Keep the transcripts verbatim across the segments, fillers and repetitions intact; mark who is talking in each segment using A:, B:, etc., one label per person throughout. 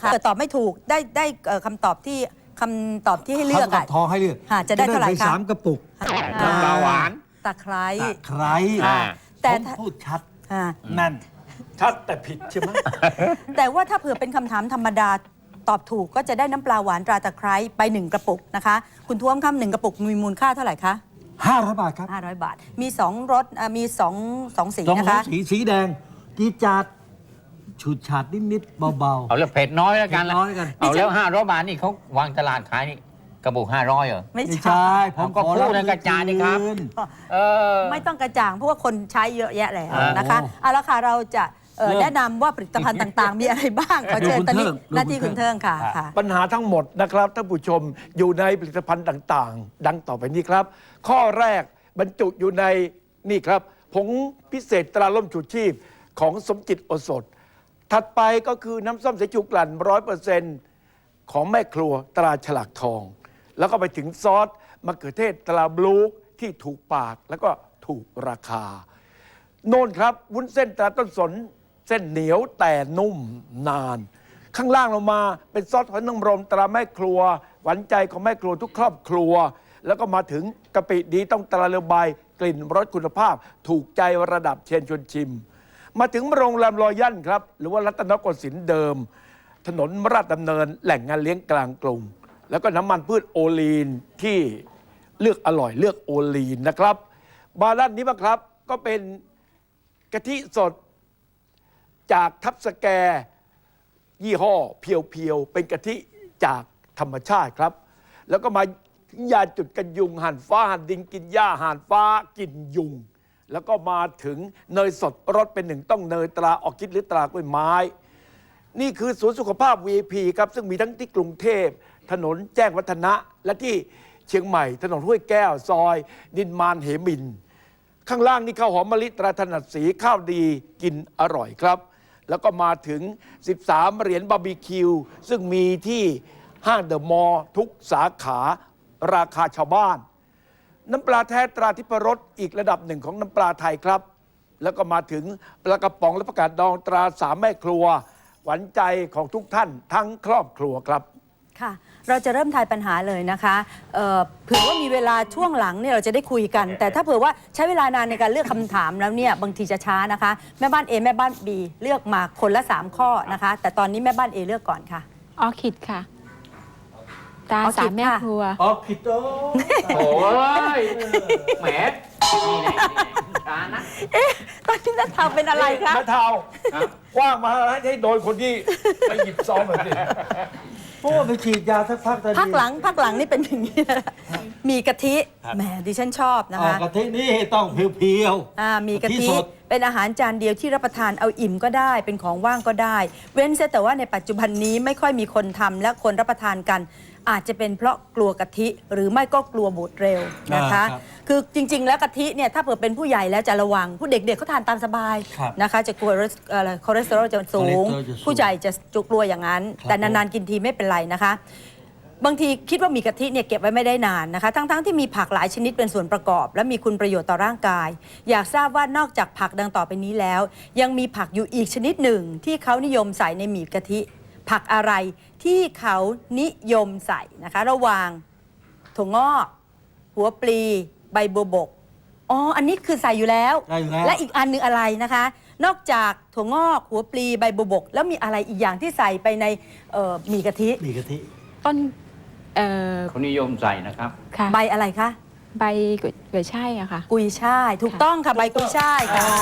A: เกิดตอบไม่ถูกได้ได้คำตอบที่คำตอบที่ให้เลือก
B: คำตอบทองให้เลือก
A: จะได้เท่าไหร่คะ
B: สามกระปุก
C: น้ำปลาหวาน
A: ตะไคร้
B: ตะไคร้
A: แต่
B: ผมพูดชัด
A: อ่า
B: นั่นชัดแต่ผิดใช่ไหม
A: แต่ว่าถ้าเผื่อเป็นคำถามธรรมดาตอบถูกก็จะได้น้ำปลาหวานตราตะไคร้ไปหนึ่งกระปุกนะคะคุณท้วมคำหนึ่งกระปุกมีมูลค่าเท่าไหร่คะ
B: ห้าร้อยบาทครับ
A: ห้าร้อยบาทมีสองรสอ่ะมีสองสองสี
B: สอง
A: นะคะ
B: สีสีแดงจีดจัดฉูดฉาดนิดๆเบาๆ
C: เอาแล้วเผ็ดน้อยแล้วกัน
B: เผ็ดน้อยแล้วกัน
C: เอาแล้วห้าร้อยบาทนี่เขาวางตลาดขายนี่กระปุกห้าร้อยเหรอ
A: ไม่
B: ไม่
A: ใช่
B: ใช่ผ
C: ผม มก็พูดในกระจายนี่ครับ
B: คืน
C: เออ
A: ไม่ต้องกระจ่างเพราะว่าคนใช้เยอะแยะแล้ว
C: อ่าน
A: นะคะ
B: โอ้
A: เอาละค่ะเราจะเอ่อ
B: เริ่ม
A: แนะนำว่าผลิตภัณฑ์ต่างๆ มีอะไรบ้างขอเชิญ
B: ดูคุณ
A: ตอนนี้
B: เทิง
A: หน้าที่
B: ดูคุ
A: คุณ
B: ณ
A: เทิงค่ะ
B: ครับ
A: ค่ะ
D: ปัญหาทั้งหมดนะครับท่านผู้ชมอยู่ในผลิตภัณฑ์ต่างๆ ดังต่อไปนี้ครับ ข้อแรกบรรจุอยู่ในนี่ครับผงพิเศษตราล่มชูชีพของสมจิตโอสถ ถัดไปก็คือน้ำส้มสายชูกลั่นร้อยเปอร์เซ็นต์ของแม่ครัวตราฉลากทอง แล้วก็ไปถึงซอสมะเขือเทศตราบลูกที่ถูกปากแล้วก็ถูกราคา โน่นครับวุ้นเส้นตราต้นสนเส้นเหนียวแต่นุ่มนาน ข้างล่างลงมาเป็นซอสหอยนางรมตราแม่ครัว หวานใจของแม่ครัวทุกครอบครัว แล้วก็มาถึงกะปิดีต้องตราเรือใบกลิ่นรสคุณภาพ ถูกใจระดับเชนชวนชิม มาถึงโรงแรมรอยัลครับ หรือว่ารัตนโกสินทร์เดิม ถนนราชดำเนินแหล่งงานเลี้ยงกลางกรุงแล้วก็น้ำมันพืชโอลีนที่เลือกอร่อยเลือกโอลีนนะครับมาด้านนี้บ้างครับก็เป็นกะทิสดจากทับสแกยี่ห้อเพียวๆเป็นกะทิจากธรรมชาติครับ แล้วก็มาถึงยาจุดกันยุงหั่นฟ้าหั่นดินกินหญ้าหั่นฟ้ากินยุง แล้วก็มาถึงเนยสดรสเป็นหนึ่งต้องเนยตราออร์คิดหรือตรากล้วยไม้ นี่คือศูนย์สุขภาพ วี ไอ พี ครับซึ่งมีทั้งที่กรุงเทพถนนแจ้งวัฒนะและที่เชียงใหม่ถนนห้วยแก้วซอยนินมานเหมิน ข้างล่างนี่ข้าวหอมมะลิตราถนัดสีข้าวดีกินอร่อยครับ แล้วก็มาถึงสิบสามเหรียญบาร์บีคิวซึ่งมีที่ห้างเดอะมอลล์ทุกสาขาราคาชาวบ้าน น้ำปลาแท้ตราทิพรสอีกระดับหนึ่งของน้ำปลาไทยครับ แล้วก็มาถึงปลากระป๋องและประกาศดองตราสามแม่ครัวหวานใจของทุกท่านทั้งครอบครัวครับ
A: ค่ะเราจะเริ่มทายปัญหาเลยนะคะเอ่อเผื่อว่ามีเวลาช่วงหลังเนี่ยเราจะได้คุยกัน แต่ถ้าเผื่อว่าใช้เวลานานในการเลือกคำถามแล้วเนี่ยบางทีจะช้านะคะแม่บ้าน A แม่บ้าน B เลือกมาคนละสามข้อนะคะแต่ตอนนี้แม่บ้าน A เลือกก่อนค่ะ
E: ออร์คิดค่ะ ตา
A: ออร์คิด
E: สามแม่
A: ค่ะ
E: ครัว
B: อ๋อผิดโต
C: โอ้ยแหมนี่แหละร้านนะ
A: เอ๊ะตอนนี้นัททาเป็นอะไรคะ
D: แม่เท้าคว้างมาให้โดนคนที่ไปหยิบซองหน่อยสิ
B: เพราะว่าไปฉีดยาสักพักแต่
A: พักหลังพักหลังนี่เป็นอย่างนี้นะมีกะทิแหมดิฉันชอบนะ
B: อ๋อ
A: คะ
B: กะทินี่ต้องเพียว
A: อ่ามีกะ
B: กะทิ
A: ทิ
B: สด
A: เป็นอาหารจานเดียวที่รับประทานเอาอิ่มก็ได้ เป็นของว่างก็ได้ เว้นเสียแต่ว่าในปัจจุบันนี้ไม่ค่อยมีคนทำและคนรับประทานกัน อาจจะเป็นเพราะกลัวกะทิหรือไม่ก็กลัวบูดเร็วนะคะ
B: อ่าครับ
A: คือจริง ๆ แล้วกะทิเนี่ยถ้าเผื่อเป็นผู้ใหญ่แล้วจะระวัง ผู้เด็กๆเขาทานตามสบาย
B: ครับ
A: นะคะ จะกลัวอะไรคอเลสเตอรอลจะสูง
B: คอเลสเตอรอลจะสูง
A: ผู้ใหญ่จะจุกลัวอย่างนั้น
B: ครับ
A: แต่นานๆกินทีไม่เป็นไรนะคะ บางทีคิดว่ามีกะทิเนี่ยเก็บไว้ไม่ได้นานนะคะ ทั้งๆที่มีผักหลายชนิดเป็นส่วนประกอบ และมีคุณประโยชน์ต่อร่างกาย อยากทราบว่านอกจากผักดังต่อไปนี้แล้ว ยังมีผักอยู่อีกชนิดหนึ่งที่เขานิยมใส่ในหมี่กะทิ ผักอะไรที่เขานิยมใส่นะคะ ระหว่างถั่วงอก หัวปลี ใบบัวบกอ๋ออันนี้คือใส่อยู่แล้ว
B: ใส่อยู่แล้ว
A: และอีกอันหนึงอะไรนะคะ นอกจากถั่วงอก หัวปลี ใบบัวบก แล้วมีอะไรอีกอย่างที่ใส่ไปในเอ่อหมี่กะทิ
B: มีกะทิ
E: ต้น เอ่อ
C: เขานิยมใส่นะครับ
E: ค่ะ
A: ใบอะไรคะ
E: ใบกุยกุยช่ายอะค่ะ
A: กุยช่ายถูกต้องค่ะใบกุยช่ายค่ะ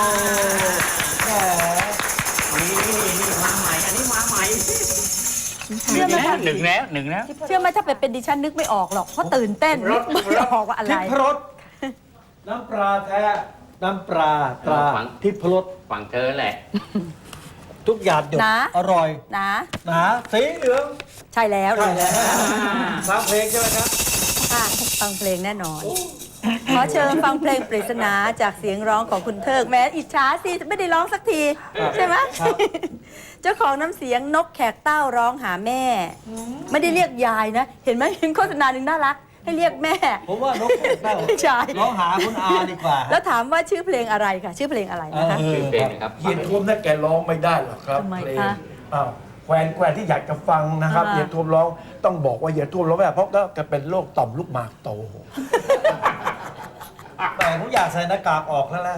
C: นี่นี่มาใหม่ อันนี้มาใหม่
A: เชื่อไหมคะ
C: หนึ่งแล้วหนึ่งแล้ว
A: เชื่อไหมถ้าเป็นเป็นดิฉันนึกไม่ออกหรอกเพราะตื่นเต้นนึกไม่ออกว่าอะไร
B: ทิพรสน้ำปลาแท้น้ำปลาตรา
C: ฝัง
B: ทิพรส
C: ฝั่งเธอแหละ
B: ทุกอย่างหยด
A: นะ
B: อร่อย
A: นะ
B: หนาสีเหลือง
A: ใช่แล้ว
B: ใช่แล้วฟังเพลงใช่ไหมครับ
A: ค่ะฟังเพลงแน่นอน ขอเชิญฟังเพลงปริศนาจากเสียงร้องของคุณเทิกแม้อิจฉาสิไม่ได้ร้องสักที ใช่ไหม
B: ครับ
A: เจ้าของน้ำเสียงนกแขกเต้าร้องหาแม่ ไม่ได้เรียกยายนะ เห็นไหมเห็นโฆษณาหนึ่งน่ารัก ให้เรียกแม่
B: ผมว่านกแขกเต้า
A: ใช่
B: ร้องหาคุณอาดีกว่า
A: แล้วถามว่าชื่อเพลงอะไรค่ะ ชื่อเพลงอะไรนะคะ
B: เออ
C: คือเพลงนะครับ
D: เฮียนทวมนั่นแกร้องไม่ได้หรอกครับ
A: ทำไม
D: เพลง
A: คะ
D: อ้าวคแควนแควนที่อยากจะฟังนะครับ
A: อ่า
D: เหยียดท่วมร้องต้องบอกว่าเหยียดท่วมร้องไม่ได้เพราะก็จะเป็นโรคต่อมลูกหมากโต
B: แต่ผมอยากใส่หน้ากากออกแล้วแหละ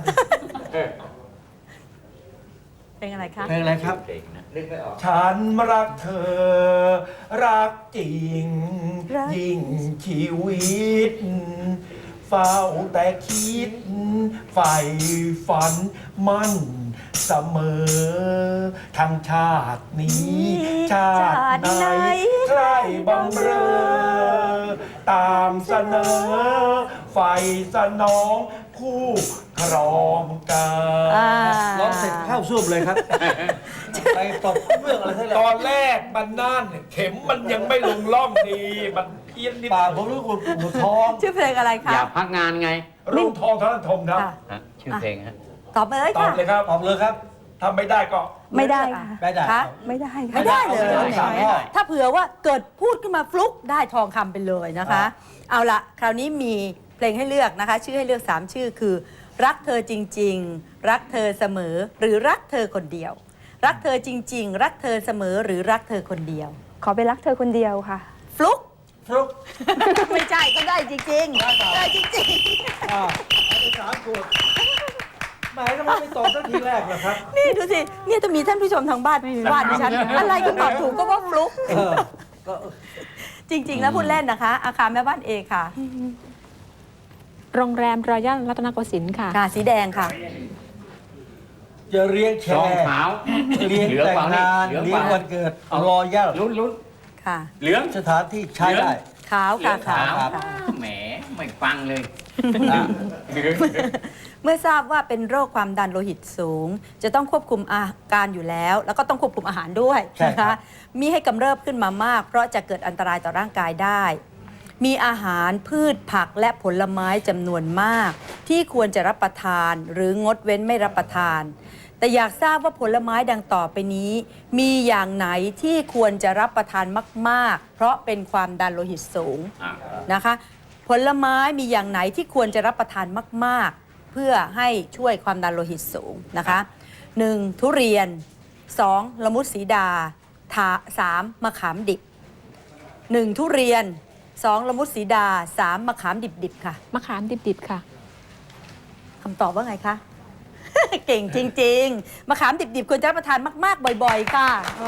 A: เป็นอะไรคะ
B: เพลงอะไรครับ
D: ฉันรักเธอ รักจริง
A: รัก
D: ยิ่งชีวิต เฝ้าแต่คิดใฝ่ฝันมั่นเสมอ ทั้งชาตินี้ ชาติไหนใครบังเรอ ตามเสนอไฟสนองคู่ครองกา
A: อ่า
B: ร้องเสร็จเข้าซูบเลยครับ ไปตบเรื่องอะไรทั้ง
D: ต
B: นั้
D: อน นแรกมันนั่นเข็มมันยังไม่ลงร่องดี มันเพี้ยนนิด
B: ป่าผมรู้คุณปวดท้อง
A: ชื่อเพลงอะไรคะ
C: อยากพักงานไง
D: รุ่งทองธนทมครับ
A: ค่ะ
C: ฮะชื่อเพลงฮะ
A: ตอบมาเลย
D: ตอบ
A: ค่ะ
D: เลยครับ
B: ออกเลยครับ
D: ถ้าไม่ได้ก็
F: ไม่ได้ค่ะ
B: ไม่ได้
A: คะ
F: ไม่ได้ค่ะ
A: ไม่ได้เลย
B: ไม่ได้
A: แหม
B: ไม่ได้
A: ถ้าเผื่อว่าเกิดพูดขึ้นมาฟลุกได้ทองคำไปเลยนะคะ เอาละคราวนี้มีเพลงให้เลือกนะคะ ชื่อให้เลือกสามชื่อคือ รักเธอจริง ๆ รักเธอเสมอ หรือรักเธอคนเดียว รักเธอจริง ๆ รักเธอเสมอหรือรักเธอคนเดียว
F: ขอไปรักเธอคนเดียวค่ะ
A: ฟลุก
B: ฟลุก
A: ไม่ใช่ก็ได้จริงๆได้จริง
B: อ่าอันนี้สามขวดหมายก็ไม่ตอบตั้งทีแรกหรอกครับ
A: ๆ นี่ดูสิเนี่ยจะมีท่านผู้ชมทางบ้านว่าดิฉันอะไรก็ตอบถูกก็ว่าฟลุก
B: เออ ก็
A: จริง ๆ แล้วพูดเล่นนะคะ อาคารแม่บ้านเอค่ะ
E: โรงแรมรอยัลรัตนโกสินทร์ค่ะ
A: ค่ะสีแดงค่ะ
B: จะเลี้ยงแช
C: ซอง
B: ร์
C: ขาว
B: เลี้ยง
C: เหลือง
B: แต่ง
C: เปล่านี่
B: งาน
C: เหลือง
B: เลี้
C: เป
B: ยง
C: ล่า
B: วันเกิดรอย่า
C: ลุ้นลุ้น
A: ค่ะ
C: เหลือง
B: สถานที่ใช้ได้
A: ขาวค่ะ
C: ขาว
A: ขาว
C: แหมไม่ฟังเลย
B: อ่ะ
A: เมื่อทราบว่าเป็นโรคความดันโลหิตสูง จะต้องควบคุมอาการอยู่แล้ว แล้วก็ต้องควบคุมอาหารด้วย
B: ใช่
A: นะ
B: ครั
A: คะ
B: บ
A: มีให้กำเริบขึ้นมามาก เพราะจะเกิดอันตรายต่อร่างกายได้ มีอาหารพืชผักและผลไม้จำนวนมาก ที่ควรจะรับประทานหรืองดเว้นไม่รับประทาน แต่อยากทราบว่าผลไม้ดังต่อไปนี้ มีอย่างไหนที่ควรจะรับประทานมาก ๆ เพราะเป็นความดันโลหิตสูง
C: อ่ะ
A: นะคะ ผลไม้มีอย่างไหนที่ควรจะรับประทานมาก ๆ เพื่อให้ช่วยความดันโลหิตสูงนะคะ หนึ่ง ทุเรียน สอง ละมุดสีดาถาสามมะขามดิบ หนึ่ง ทุเรียน สอง ละมุดสีดา สาม มะขามดิบ ๆ ค่ะ
E: มะขามดิบๆค่ะ
A: คำตอบว่าไงคะ เก่งจริง ๆ มะขามดิบ ๆ ควรจะรับประทานมาก ๆ บ่อย ๆ ค่ะ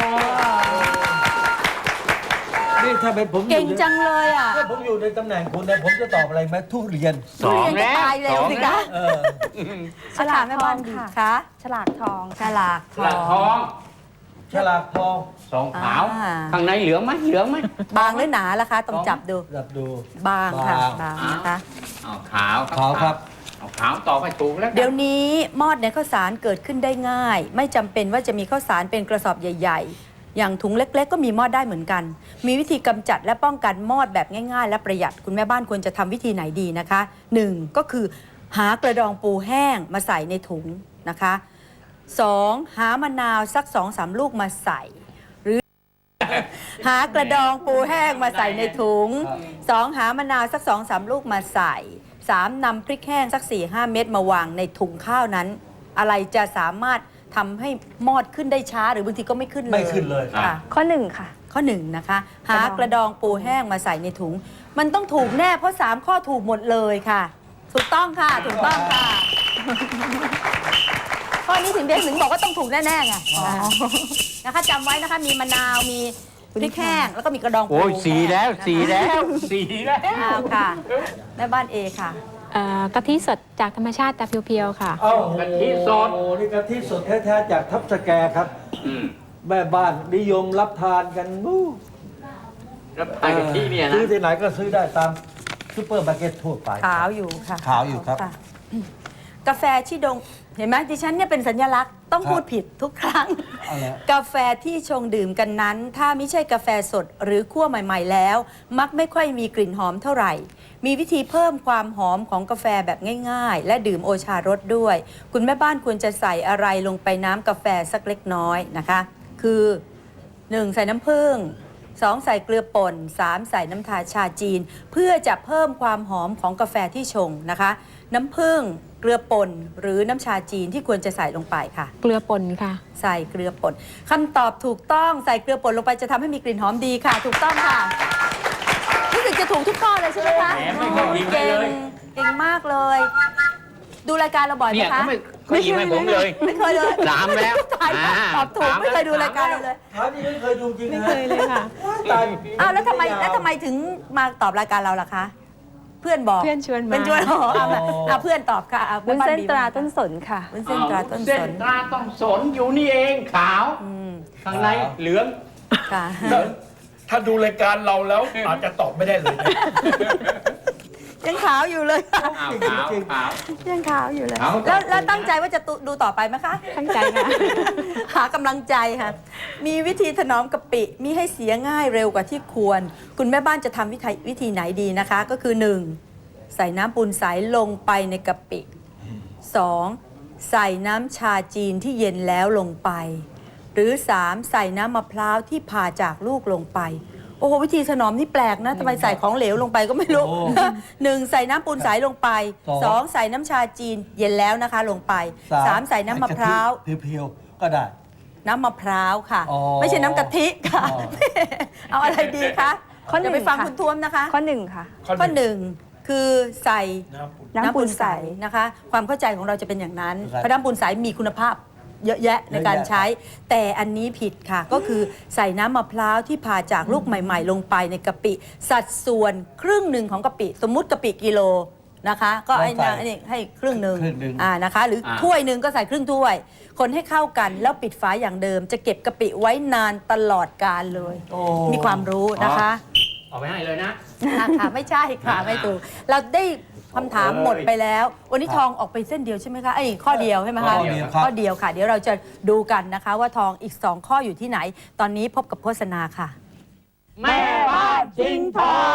B: นี่ถ้าเป็นผมอ
A: เก่ง
B: ยู่ใน
A: จังเลยอ่ะ
B: ถ้าผมอยู่ในตำแหน่งคุณเนี่ยผมจะตอบอะไรไหมทุเรียน
C: สอง
A: ทุเรียน
C: แล้
A: จะ
C: ว
A: ตายเร็
C: ส
A: ว
C: อง
A: สิ
C: แล้
A: คะ
C: ว
B: เออ
A: ฉลากแม่บ้านดีค่ะ
F: ฉลากทอง
A: ฉลากท
C: หลักท
A: อ
C: อง ง
B: ฉลากทอง
C: สองขาว
A: อ่า
C: ข้างในเหลืองไหมเหลืองไหม
A: บางหรือหนาล่ะคะ ต้องจับดู
B: รับดู
A: บางค่ะ
B: บาง
A: บางนะคะ
C: เอาขาว
B: ขาวครับ
C: เอาขาวตอบไปถูกแล้วกัน
A: เดี๋ยวนี้มอดในข้าวสารเกิดขึ้นได้ง่าย ไม่จำเป็นว่าจะมีข้าวสารเป็นกระสอบใหญ่ ๆ อย่างถุงเล็ก ๆ ก็มีมอดได้เหมือนกัน มีวิธีกำจัดและป้องกันมอดแบบง่าย ๆ และประหยัดคุณแม่บ้านควรจะทำวิธีไหนดีนะคะหนึ่งก็คือหากระดองปูแห้งมาใส่ในถุงนะคะสองหามะนาวสักสองสามลูกมาใส่ หากระดองปูแห้งมาใส่ในถุง สองหามะนาวสักสองสามลูกมาใส่ สามนำพริกแห้งสักสี่ห้าเม็ดมาวางในถุงข้าวนั้น อะไรจะสามารถทำให้มอดขึ้นได้ช้าหรือบางทีก็ไม่ขึ้นเลย
B: ไม่ขึ้นเลย
A: ค่ะ
F: ข้อหนึ่งค่ะ
A: ข้อหนึ่งนะคะ หากระดองปูแห้งมาใส่ในถุง มันต้องถูกแน่เพราะสามข้อถูกหมดเลยค่ะ ถูกต้องค่ะ ถูกต้องค่ะ ข้อนี้ถึงเดนถึงบอกว่าต้องถูกแน่ๆไงนะคะจำไว้นะคะมีมะนาวมีพริกแห้งแล้วก็มีกระดองปู
C: โอ้ยสีแล้ว
A: นะคะ
C: สีแล้วสีแล้ว
A: อ้าวค่ะแม่บ้านเอค่ะ
E: เอ่อกะทิสดจากธรรมชาติแต่เพียวๆค่ะ
B: เอ้าก
C: ะทิสด
B: โอ้นี่กะทิสดแท้ๆจากทับสแกครับ
C: อืม
B: แม่บ้านนิยมรับทานกันนู้
C: แล้วไอ้กะทิเนี่ยนะ
B: ซื้อที่ไหนก็ซื้อได้ตามซูเปอร์มาร์เก็ตทั่วไป
A: ขาวอยู่ค่ะ
B: ขาวอยู่ครับ
A: ะกาแฟชิดงเห็นไหมดิฉันเนี่ยเป็นสัญลักษณ์ต้อง
B: ครับ
A: พูดผิดทุกครั้ง
B: เอาละ
A: กาแฟที่ชงดื่มกันนั้น ถ้าไม่ใช่กาแฟสดหรือคั่วใหม่ ๆ แล้ว มักไม่ค่อยมีกลิ่นหอมเท่าไหร่ มีวิธีเพิ่มความหอมของกาแฟแบบง่ายๆ และดื่มโอชารสด้วย คุณแม่บ้านควรจะใส่อะไรลงไปน้ำกาแฟสักเล็กน้อยนะคะ คือ หนึ่ง ใส่น้ำผึ้งสองใส่เกลือป่นสามใส่น้ำตาลชาจีน เพื่อจะเพิ่มความหอมของกาแฟที่ชงนะคะ น้ำผึ้งเกลือป่นหรือน้ำชาจีนที่ควรจะใส่ลงไปค่ะ
E: เกลือป่นค่ะ
A: ใส่เกลือป่นคำตอบถูกต้องใส่เกลือป่นลงไปจะทำให้มีกลิ่นหอมดีค่ะ ถูกต้องค่ะรู้สึกจะถูกทุกข้อเลยใช่ไหมคะ
C: แหมไม่เคยยิงให้
A: เก่
C: เลย
A: งเก่งมากเลย ดูรายการเราบ่อยไหม
C: เนี่ย
A: คะ
C: เขาไม่เขายิงให้ผมเลย
A: ไม่เคยเลย
C: สามแล้ว
A: ตายแล้ว
C: อ่า
A: ตอบถูก
C: สาม
A: ไม่เคยดู
C: แล้ว
A: รายการเราเลย
B: ถามนี่ไม่เคยดูจริง
E: ไม่
B: นะ
E: เคยเลยค่ะ
B: ตาย
A: อ้าวแล้วทำไมแล้วทำไมถึงมาตอบรายการเราล่ะคะ เพื่อนบอก
E: เพื่อนชวนมา
A: เป็นชวนอ๋อเอามาเอาเพื่อนตอบค่ะอา
F: วุ้นเส้น
A: บ้บี
F: ตราต้นสนค่ะ
A: วุ้นเส้นตราต้น
C: เส้
A: ส
C: น
A: น
C: ตราต้องสนอยู่นี่เองขาว
A: อืม
C: ข้างในเหลือง
A: ค่ะ
D: ถ้าดูรายการเราแล้วอาจจะตอบไม่ได้เลยนะ
A: ยังขาวอยู่เลยค่ะ
C: ขาวขาวขาว
A: ยังขาวอยู่เลย
C: ขาว
A: แล้วแล้วตั้งใจว่าจะตุดูต่อไปไหมคะ
E: ตั้งใจค่ะ
A: หากำลังใจค่ะ มีวิธีถนอมกะปิมีให้เสียง่ายเร็วกว่าที่ควร คุณแม่บ้านจะทำวิธีวิธีไหนดีนะคะ ก็คือ หนึ่ง ใส่น้ำปูนใสลงไปในกะปิ สอง ใส่น้ำชาจีนที่เย็นแล้วลงไป หรือ สาม ใส่น้ำมะพร้าวที่ผ่าจากลูกลงไป โอ้โหวิธีถนอมนี่แปลกนะทำไมใส่ของเหลวลงไปก็ไม่รู้ หนึ่งใส่น้ำปูนใสลงไป สอง ใส่น้ำชาจีนเย็นแล้วนะคะลงไป สาม ใส่น้ำมะพร้าว
B: เพียวๆก็ได้
A: น้ำมะพร้าวค่ะ
B: อ๋อ
A: ไม่ใช่น้ำกะทิค่ะ
B: อ๋อ
A: เอาอะไรดีคะ
F: ข้อหนึ่ง
A: เดี๋ยวไปฟัง
F: ค่ะ
A: คุณท้วมนะคะ
F: ข้อหนึ่งค่ะ
A: ข้อหนึ่งคือใส่
F: น้ำปูนใส
A: นะคะ ความเข้าใจของเราจะเป็นอย่างนั้น
B: ครับ
A: เพราะน้ำปูนใสมีคุณภาพเยอะแยะในการ
B: เยอะแยะ
A: ใช้ แต่อันนี้ผิดค่ะ ก็คือใส่น้ำมะพร้าวที่ผ่าจากลูกใหม่ ๆ ลงไปในกะปิ สัดส่วนครึ่งหนึ่งของกะปิ สมมุติกะปิกิโลนะคะ ก็ไอ้นะไอ้นี่ให้ครึ่งหนึ่ง
B: ครึ่งหนึ่ง
A: อ่านะคะ หรืออา ถ้วยหนึ่งก็ใส่ครึ่งถ้วย คนให้เข้ากันแล้วปิดฝาอย่างเดิม จะเก็บกะปิไว้นานตลอดกาลเลย
B: โอ้
A: มีความรู้นะคะ
C: ออกไปให้เลยนะ
A: ค่ะค่ะไม่ใช่ค่ะไม่ถูกเราได้คำถามหมดไปแล้ว วันนี้ทองออกไปเส้นเดียวใช่ไหมคะไอ้ยข้อเดียวใช่ไหมคะ
C: ข้อเดียวครับ
A: ข้อเดียวค่ะ เดี๋ยวเราจะดูกันนะคะ ว่าทองอีกสองข้ออยู่ที่ไหน ตอนนี้พบกับโฆษณาค่ะ
C: แม่บ้านจริงทอง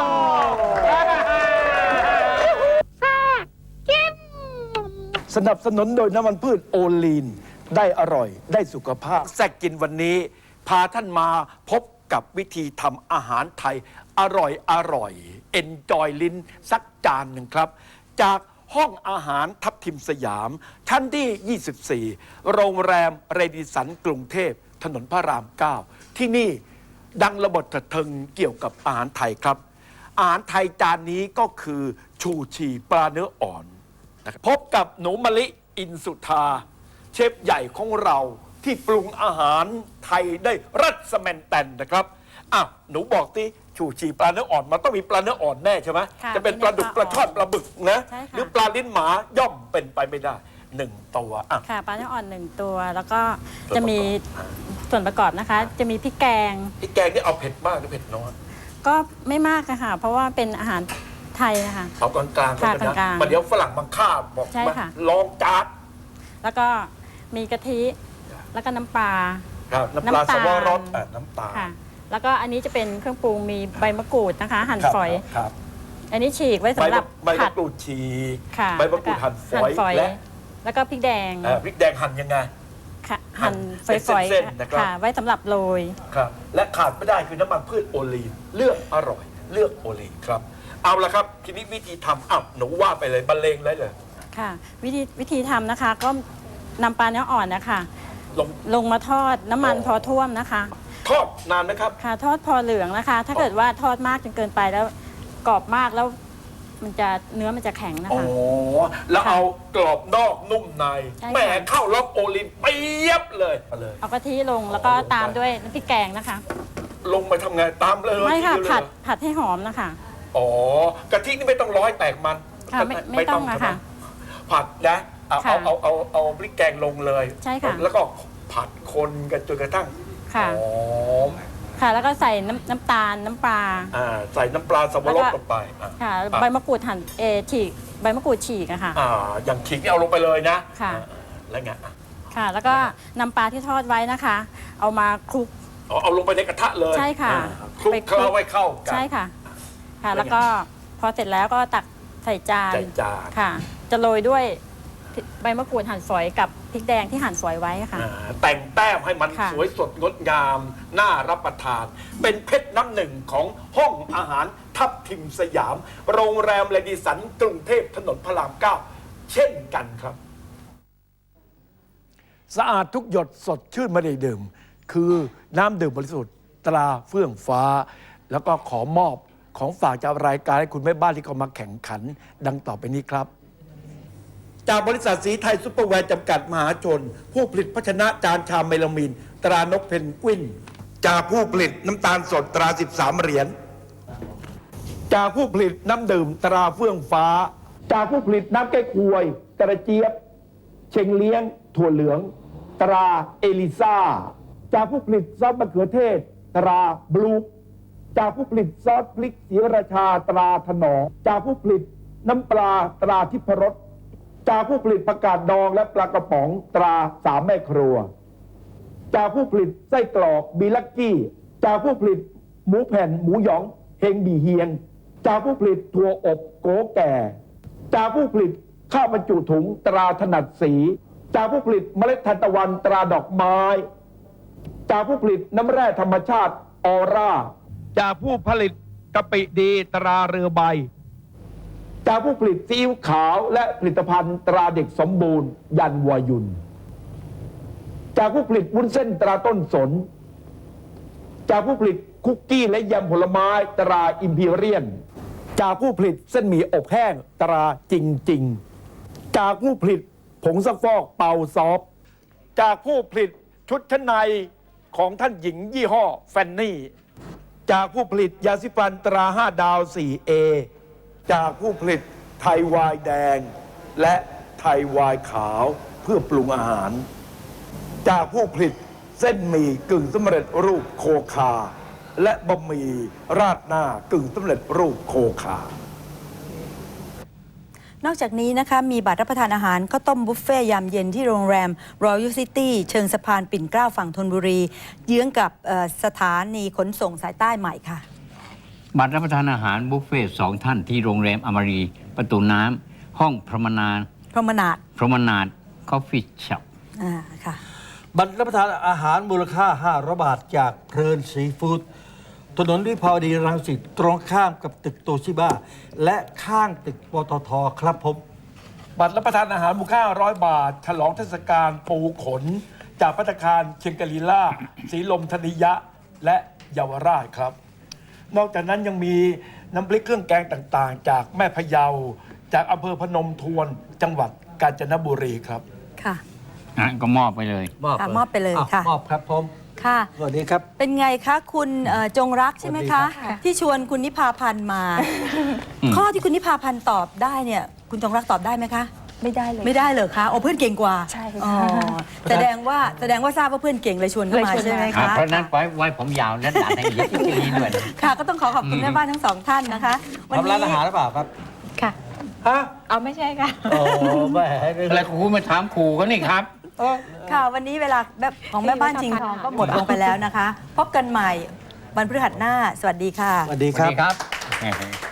D: สนับสนุนโดยน้ำมันพืชโอลีน ได้อร่อยได้สุขภาพแซกกินวันนี้ พาท่านมาพบกับวิธีทำอาหารไทย อร่อยอร่อยเอนจอยลิ้นสักจานหนึ่งครับ จากห้องอาหารทับทิมสยาม ชั้นที่ ยี่สิบสี่ โรงแรมเรดิสันกรุงเทพถนนพระราม เก้า ที่นี่ดังระเบิดระเทิงเกี่ยวกับอาหารไทยครับ อาหารไทยจานนี้ก็คือชูชีปลาเนื้ออ่อนนะครับพบกับหนูมะลิอินสุธา เชฟใหญ่ของเราที่ปรุงอาหารไทยได้รัศแมนแตนนะครับอ่ะหนูบอกที่ชูชีปลาเนื้ออ่อนมันต้องมีปลาเนื้ออ่อนแน่ใช่ไหม
G: ค่ะ
D: จะเป็นปลาดุก
G: มี
D: ป
G: เนื้
D: ลา
G: อ
D: ช่อนปลาบึกนะ
G: ใช่ค่ะ
D: หรือปลาลิ้นหมาย่อมเป็นไปไม่ได้หนึ่งตัวอ่ะ
G: ค่ะปลาเนื้ออ่อนหนึ่งตัว แล้วก็
D: ส่วนประกอบ
G: จะมีส่วนประกอบนะคะ จะมีพริกแกง
D: พี่แกงนี่เอาเผ็ดมากหรือเผ็ดน้อย
G: ก็ไม่มากอะค่ะ เพราะว่าเป็นอาหารไทยนะคะ
D: เอากลางๆก่อน
G: ค่ะ
D: นะ
G: กลางๆ
D: มาเดี๋ยวฝรั่งมาฆ่าบอก
G: ใช่
D: มา
G: ค่ะ
D: ลองจาน
G: แล้วก็มีกะทิ แล้วก็น้ำปลา
D: ครับน้ำปลา
G: น้ำตา
D: ส
G: ล
D: วรสอ่ะน้ำตาล
G: ค่ะ แล้วก็อันนี้จะเป็นเครื่องปรุงมีใบมะกรูดนะคะ หั่น
D: ครับ
G: ฝอย
D: ครับ
G: อันนี้ฉีกไว้
D: ใบ
G: สำหรับ
D: ใบ
G: ผั
D: มะ
G: ด
D: กรูดฉีก
G: ค่ะ
D: ใบมะกรูดหั่นฝอยและ
G: แล้วก็พริกแดง
D: เอ่อพริกแดงหั่นยังไง
G: ค่ะ
D: หั่
G: หั่
D: น
G: น
D: เป็น
G: ฝอย
D: เส้นๆนะครับ
G: ๆค่ะ ไว้สำหรับโรย
D: ครับและขาดไม่ได้คือน้ำมันพืชโอลีนเลือกอร่อย เลือกโอลีนครับเอาละครับทีนี้วิธีทำอ้าวหนูว่าไปเลยบรรเลงเลยเลย
G: ค่ะวิธีวิธีทำนะคะก็นำปลาเนื้ออ่อนนะคะ
D: ลง
G: ลงมาทอดน้ำมัน
D: อ๋อ
G: พอท่วมนะคะ
D: ทอดนานไหมครับ
G: ค่ะทอดพอเหลืองนะคะ ถ้าเกิดว่าทอดมากจนเกินไปแล้วกรอบมากแล้วมันจะเนื้อมันจะแข็งนะ
D: อ๋อ
G: คะ
D: แล้ว
G: ค่ะ
D: เอากรอบนอกนุ่มใน
G: ใช่ค่ะ
D: แหมเข้าล็อกโอลีนเปียบเลยมาเลย
G: เอากะทิลงแล้วก็
D: อ๋อลงไป
G: ตามด้วยน้ำพริกแกงนะคะ
D: ลงไปทำไงตามเลย
G: ไม่ค่ะ
D: ทีเดียวเลย
G: ผัด
D: เหรอ
G: ผัดให้หอมนะคะ
D: อ๋อกะทินี่ไม่ต้องร้อยแตกมัน
G: ค่ะไม่ไม่ต้องอะ
D: ใช่ไหม
G: ค่ะ
D: ผัดนะเอา
G: ค่ะ
D: เอาเอาเอาเอาพริกแกงลงเลย
G: ใช่ค่ะ
D: แล้วก็ผัดคนกันจนกระทั่ง
G: ค่ะ
D: หอม
G: ค่ะแล้วก็ใส่น้ำน้ำตาลน้ำปลา
D: อ่าใส่น้ำปลาสับปะรด
G: แล้วก็
D: ลงไปอ่ะ
G: ค่ะ
D: อ่ะ
G: ใบมะกรูดหั่นเออฉีกใบมะกรูดฉีกอะค่ะ
D: อ่าอย่างขิงนี่เอาลงไปเลยนะ
G: ค่ะ
D: อ่าแล้วไงอ่ะ
G: ค่ะ แล้วก็นำปลาที่ทอดไว้นะคะ เอามาคลุก
D: อ๋อเอาลงไปในกระทะเลย
G: ใช่ค่ะ
D: อ่าคลุก
G: ไปคลุก
D: เคล้าไว้เข้ากัน
G: ใช่ค่ะ ค่ะ
D: แล้
G: แล้ว ว
D: ไง
G: ก็พอเสร็จแล้วก็ตักใส่จาน
D: ใส่จาน
G: ค่ะ จะโรยด้วยพใบมะกรูดหั่นฝอยกับพริกแดงที่หั่นฝอยไว้ค่ะ
D: อ่าแต่งแต้มให้มัน
G: ค่ะ
D: สวยสดงดงามน่ารับประทาน เป็นเพชรน้ำหนึ่งของห้องอาหารทับทิมสยาม โรงแรมเลดิสันกรุงเทพถนนพระรามเก้าเช่นกันครับ สะอาดทุกหยดสดชื่นไม่ได้ดื่ม คือน้ำดื่มบริสุทธิ์ตราเฟื่องฟ้า แล้วก็ขอมอบของฝากจากรายการให้คุณแม่บ้านที่เขามาแข่งขัน ดังต่อไปนี้ครับ จากบริษัทสีไทยซุปเปอร์แวร์จำกัดมหาชน ผู้ผลิตภาชนะจานชามเมลามีน ตรานกเพนกวิน จากผู้ผลิตน้ำตาลสดตรา สิบสาม เหรียญ จากผู้ผลิตน้ำดื่มตราเฟื่องฟ้า จากผู้ผลิตน้ำแก้ควยกระเจี๊ยบ เชงเลี้ยง ถั่วเหลือง ตราเอลิซาจากผู้ผลิตซอสมะเขือเทศ ตราบลูจากผู้ผลิตซอสพริกศรีราชาตราถนอมจากผู้ผลิตน้ำปลาตราทิพรสจากผู้ผลิตผักกาดดองและปลากระป๋องตราสามแม่ครัว จากผู้ผลิตไส้กรอกบีลักกี้ จากผู้ผลิตหมูแผ่นหมูหยองเฮงบีเฮียง จากผู้ผลิตถั่วอบโกแก่ จากผู้ผลิตข้าวบรรจุถุงตราถนัดสี จากผู้ผลิตเมล็ดทานตะวันตราดอกไม้ จากผู้ผลิตน้ำแร่ธรรมชาติออร่า จากผู้ผลิตกะปิดีตราเรือใบ จากผู้ผลิตซีอิ๊วขาวและผลิตภัณฑ์ตราเด็กสมบูรณ์ยันวายุน จากผู้ผลิตวุ้นเส้นตราต้นสน จากผู้ผลิตคุกกี้และยำผลไม้ตราอิมพีเรียน จากผู้ผลิตเส้นหมี่อบแห้งตราจริงจริง จากผู้ผลิตผงซักฟอกเป่าซอฟ จากผู้ผลิตชุดชั้นในของท่านหญิงยี่ห้อแฟนนี่ จากผู้ผลิตยาสีฟันตราห้าดาว โฟร์เอ จากผู้ผลิตไทยวายแดง และไทยวายขาวเพื่อปรุงอาหาร จากผู้ผลิตเส้นหมี่กึ่งสำเร็จรูปโคคา และบะหมี่ราดหน้ากึ่งสำเร็จรูปโคคา
A: นอกจากนี้นะคะมีบัตรรับประทานอาหารข้าวต้มบุฟเฟ่ยามเย็นที่โรงแรม Royal City เชิงสะพานปิ่นเกล้าฝั่งธนบุรี เยื้องกับเอ่อสถานีขนส่งสายใต้ใหม่ค่ะ
H: บัตรรับประทานอาหารบุฟเฟ่ต์สองท่านที่โรงแรมอมรีประตูน้ำห้องพรหมนาด
A: พรหมนาด
H: พรหมนาดคอฟฟี่ช็อป
A: อ่าค่ะ
B: บัตรรับประทานอาหารมูลค่าห้าร้อยบาทจากเพลินซีฟู้ดถนนวิภาวดีรังสิตตรงข้ามกับตึกโตชิบ้าและข้างตึกปตทครับผม
D: บัตรรับประทานอาหารมูลค่าร้อยบาท ฉลองเทศกาลปูขน จากภัตตาคารเชียงกลีล่าสีลมธนิยะ และเยาวราชครับ นอกจากนั้นยังมีน้ำพริกเครื่องแกงต่างๆ จากแม่พะเยา จากอำเภอพนมทวนจังหวัดกาญจนบุรีครับ
A: ค่ะ
H: อ่ะก็มอบไปเลย
B: มอบ
A: ค่ะ
B: เลย
A: มอบไปเลย
B: อ่
A: ค่ะ
B: มอบครับผม
A: ค่ะ
B: สวัสดีครับ
A: เป็นไงคะคุณเอ่อจงรักใช่ไหม
B: สวัสดี
A: คะ
B: ครับ
A: ที่ชวนคุณนิพาพันธ์มา ข้อที่คุณนิพาพันธ์ตอบได้เนี่ย คุณจงรักตอบได้ไหมคะ
F: ไม่ได้เลย
A: ไม่ได้เหรอคะโอ้เพื่อนเก่งกว่า
F: ใช่ค่ะ
A: อ๋อแสดงว่าแสดงว่าทราบว่าเพื่อนเก่งเลยชวนเข้ามา
F: เลยชวนมา
A: ใช่ไหม
H: อ่ะ
A: คะ
H: เพราะฉะนั้นไว้ไว้ผมยาวและด่าแทงเยอะที่นี้ด้วยนะ
A: ค่ะก็ต้องขอขอบคุณแม่บ้านทั้งสองท่านนะคะ วัน
B: ทำร้าน
A: นี้
B: อาหารหรือเปล่าครับ
E: ค่ะ
B: ฮะ
E: เอาไม่ใช่ค่ะ
B: โอ้แม่
H: อะไรครูมาถามครูก็นี่ครับ
A: ค่ะวันนี้เวลาแบบของแม่บ้านจริงทองก็หมดลงไปแล้วนะคะ พบกันใหม่วันพฤหัสหน้า สวัสดีค่ะ
B: สวัสดี
H: ส
B: ค
H: วัส
B: รับ
H: ดีครับ